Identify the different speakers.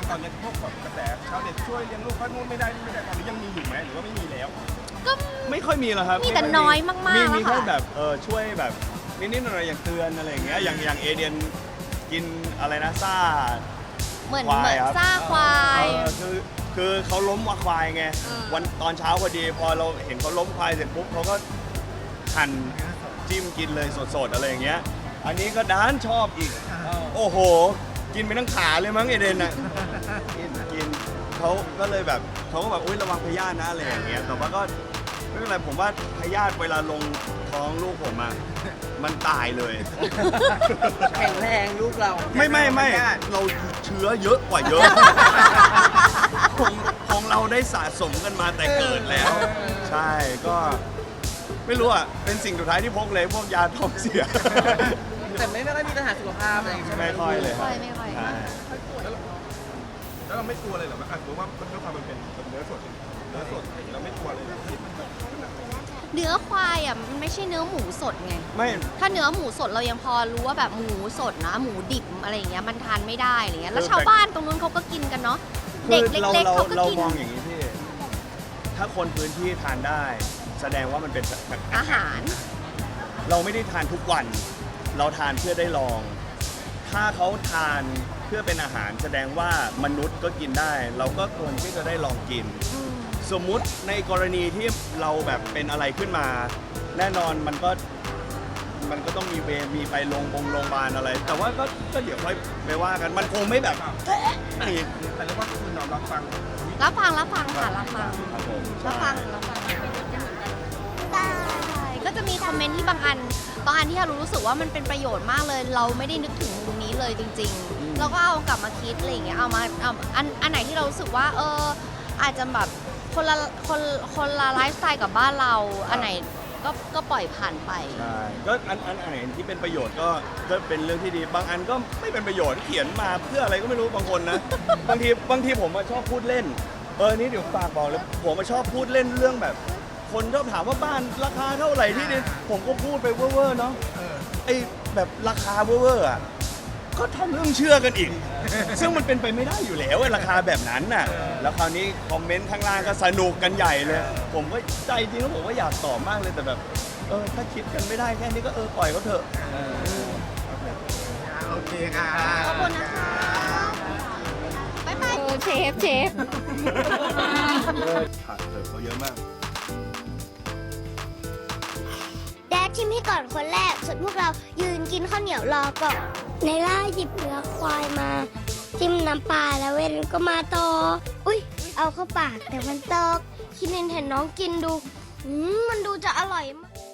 Speaker 1: ตอนนี้พวกแบบกระแสชาวเน็ตช่วยเลี้ยงลูกเขานู่นไม่ได้นี่ไม่ได้ตอนนี้ยังมีอยู่ไหมหรือว่าไม่มีแล้ว
Speaker 2: ก็
Speaker 3: ไม่ค่อยมีหรอกครับ
Speaker 2: มีแต่น้อยมากๆ
Speaker 3: มี
Speaker 2: แล้ว
Speaker 3: แค่
Speaker 2: ค่ะ
Speaker 3: แบบช่วยแบบนิดๆหน่อยๆอย่างเตือนอะไรอย่างเงี้ยอย่างเอเดียนกินอะไรนะซ่า
Speaker 2: เหมือน
Speaker 3: ควายครับ
Speaker 2: ซ่าควาย
Speaker 3: คือเขาล้มควายไงวันตอนเช้าพอดีพอเราเห็นเขาล้มควายเสร็จปุ๊บเขาก็หั่นจิ้มกินเลยสดๆอะไรอย่างเงี้ยอันนี้ก็ด้านชอบอีกโอ้โหกินไปทั้งขาเลยมั้งเอเดนอ่ะกินเขาก็เลยแบบเขาก็แบบอุ้ยระวังพยาธินะอะไรอย่างเงี้ยแต่ว่าก็ไม่เป็นไรผมว่าพยาธิเวลาลงท้องลูกผมอะมันตายเลย
Speaker 4: แข็งแรงลูกเรา
Speaker 3: ไม่เราเชื้อเยอะกว่าเยอะ ของเราได้สะสมกันมาแต่เกิดแล้ว ใช่ก็ไม่รู้อ่ะเป็นสิ่งสุดท้ายที่พกเลยพวกยาท้องเสีย
Speaker 4: แต่ไม่ค่อยมีปัญหาสุขภาพอะไรอย่างเงี้ย
Speaker 3: ไม่ค่อยเลยครับ
Speaker 2: ไม่ค่อย
Speaker 3: ใช่
Speaker 1: แล้วเราไม่กลัวเลยเหรอว่าสมมติว่าด้วยความมันเป็นเนื้อสดเราไม่กลัวเลยเหรอที่มันแบบ
Speaker 2: เนื้อควายอ่ะมันไม่ใช่เนื้อหมูสดไง
Speaker 3: ไม่
Speaker 2: ถ้าเนื้อหมูสดเรายังพอรู้ว่าแบบหมูสดนะหมูดิบอะไรอย่างเงี้ยมันทานไม่ได้อะไรเงี้ยแล้วชาวบ้านตรงนู้นเขาก็กินกันเนาะเด็ก
Speaker 3: คือ
Speaker 2: เล็กๆเขาก็
Speaker 3: เรา
Speaker 2: กิน
Speaker 3: มองอย่างนี้พี่ถ้าคนพื้นที่ทานได้ แสดงว่ามันเป็นแบบ
Speaker 2: อาหาร
Speaker 3: เราไม่ได้ทานทุกวัน เราทานเพื่อได้ลอง ถ้าเขาทานเพื่อเป็นอาหารแสดงว่ามนุษย์ก็กินได้ เราก็ควรที่จะได้ลองกิน สมมุติในกรณีที่เราแบบเป็นอะไรขึ้นมา แน่นอนมันก็ต้องมีมีไปโรงพยาบาลอะไร แต่ว่าก็เดี๋ยวค่อยไปว่ากันมันคงไม่แบบนี่
Speaker 1: แต่เรียกว่าคุณน้อมรับฟัง
Speaker 2: รับฟังค่ะรับฟัง
Speaker 3: ครับผม
Speaker 2: รับฟังได้ก็จะมีคอมเมนต์ที่บางอันที่เรารู้สึกว่ามันเป็นประโยชน์มากเลย เราไม่ได้นึกถึงมุมนี้เลยจริง ๆ เราก็เอากลับมาคิดอะไรอย่างเงี้ยเอาอันไหนที่เรารู้สึกว่าอาจจะแบบคนละไลฟ์สไตล์กับบ้านเราอันไหนก็ปล่อยผ่านไป
Speaker 3: ใช่ก็อันไหนที่เป็นประโยชน์ก็เป็นเรื่องที่ดี บางอันก็ไม่เป็นประโยชน์เขียนมาเพื่ออะไรก็ไม่รู้บางคนนะ บางทีผมชอบพูดเล่นนี่เดี๋ยวฝากบอกเลยผมชอบพูดเล่นเรื่องแบบ คนชอบถามว่าบ้านราคาเท่าไหร่ที่ดินผมก็พูดไปเว่อร์ๆเนาะไอ้แบบราคาเว่อร์ๆอ่ะก็ทำเรื่องเชื่อกันอีก ซึ่งมันเป็นไปไม่ได้อยู่แล้วไอ้ราคาแบบนั้นน่ะแล้วคราวนี้คอมเมนต์ข้างล่างก็สนุกกันใหญ่เลย ผมก็ใจจริงแล้วผมก็อยากตอบมากเลยแต่แบบถ้าคิดกันไม่ได้แค่นี้ก็ปล่อยเขาเถอะ
Speaker 1: โอเคค่ะ
Speaker 2: ขอบคุณนะคะบ๊ายบายเชฟ
Speaker 3: ผักเติมเขาเยอะมาก
Speaker 5: แดดชิมให้ก่อนคนแรก ส่วนพวกเรายืนกินข้าวเหนียวรอก่อนในล่าหยิบเนื้อควายมา จิ้มน้ำปลาแล้วเว้นก็มาต่อ อุ้ยเอาเข้าปากแต่มันตกคิดเห็นน้องกินดูมันดูจะอร่อยมาก